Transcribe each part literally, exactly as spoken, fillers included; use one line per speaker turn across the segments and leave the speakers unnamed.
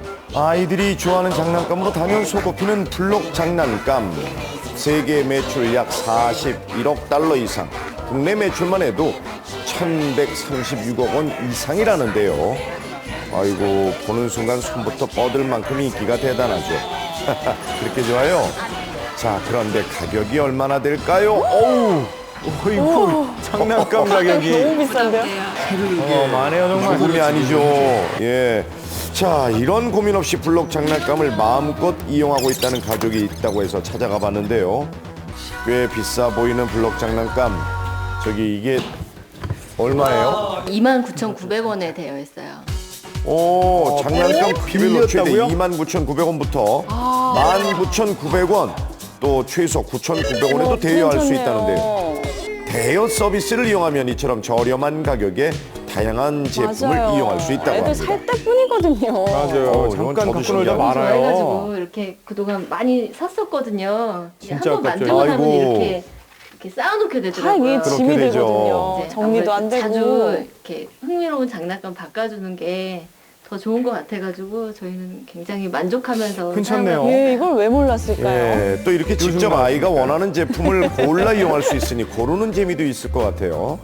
아이들이 좋아하는 장난감으로 단연 손꼽히는 블록 장난감. 세계 매출 약 사십일억 달러 이상, 국내 매출만 해도 천백삼십육억 원 이상이라는데요. 아이고, 보는 순간 손부터 뻗을 만큼 인기가 대단하죠. 그렇게 좋아요? 자, 그런데 가격이 얼마나 될까요? 어우, 어이구, 장난감 가격이
너무 비싼데요?
어, 많네요, 정말. 조금이 아니죠. 예. 자, 이런 고민 없이 블록 장난감을 마음껏 이용하고 있다는 가족이 있다고 해서 찾아가 봤는데요. 꽤 비싸 보이는 블록 장난감. 저기 이게 얼마예요?
이만 구천구백 원에 되어 있어요.
오, 장난감 크기별로 최대
빌렸다고요?
이만 구천구백 원부터 만 구천구백 원, 또 최소 구천구백 원에도 대여할 수 있다는데요. 대여 서비스를 이용하면 이처럼 저렴한 가격에 다양한 제품을
맞아요.
이용할 수 있다고
애들
합니다.
살 때뿐이거든요.
어,
맞아요.
이건
잠깐
저도
갖고
신기하다.
놀다 말아요.
그래가지고 이렇게 그동안 많이 샀었거든요.
진짜
한번
아깝죠.
만지고 나면
아이고.
이렇게 이렇게 쌓아놓게
다
되더라고요.
이게 짐이
그렇게 되죠.
되거든요.
이제
정리도 안
아무래도
되고.
자주 이렇게 흥미로운 장난감 바꿔주는 게 더 좋은 것 같아가지고 저희는 굉장히 만족하면서
괜찮네요.
사용하고
예, 이걸 왜 몰랐을까요?
예, 또 이렇게 직접 아이가 원하는 제품을 골라 이용할 수 있으니 고르는 재미도 있을 것 같아요.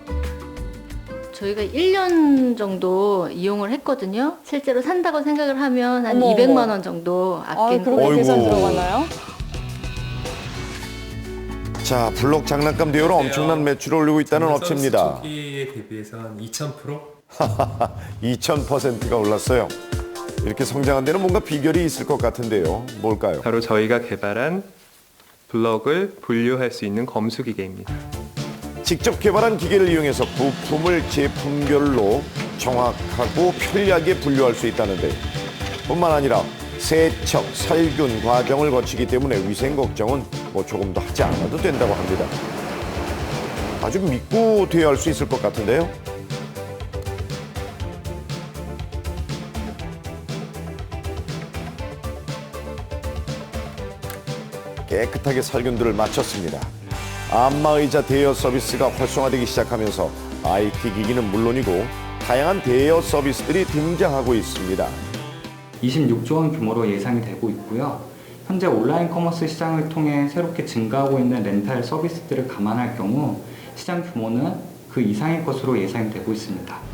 저희가 일 년 정도 이용을 했거든요. 실제로 산다고 생각을 하면 한
어머,
이백만
어머.
원 정도
아,
아낀
그렇게
어이구.
계산 들어가나요?
자, 블록 장난감 대여로 엄청난 매출을 올리고 있다는 업체입니다.
초기에 대비해서 한 이천 퍼센트?
이천 퍼센트가 올랐어요. 이렇게 성장한 데는 뭔가 비결이 있을 것 같은데요. 뭘까요?
바로 저희가 개발한 블럭을 분류할 수 있는 검수 기계입니다.
직접 개발한 기계를 이용해서 부품을 제품별로 정확하고 편리하게 분류할 수 있다는데, 뿐만 아니라 세척, 살균 과정을 거치기 때문에 위생 걱정은 뭐 조금도 하지 않아도 된다고 합니다. 아주 믿고 대여할 수 있을 것 같은데요. 깨끗하게 살균들을 마쳤습니다. 안마의자 대여 서비스가 활성화되기 시작하면서 아이티 기기는 물론이고 다양한 대여 서비스들이 등장하고 있습니다.
이십육조 원 규모로 예상이 되고 있고요. 현재 온라인 커머스 시장을 통해 새롭게 증가하고 있는 렌탈 서비스들을 감안할 경우 시장 규모는 그 이상의 것으로 예상이 되고 있습니다.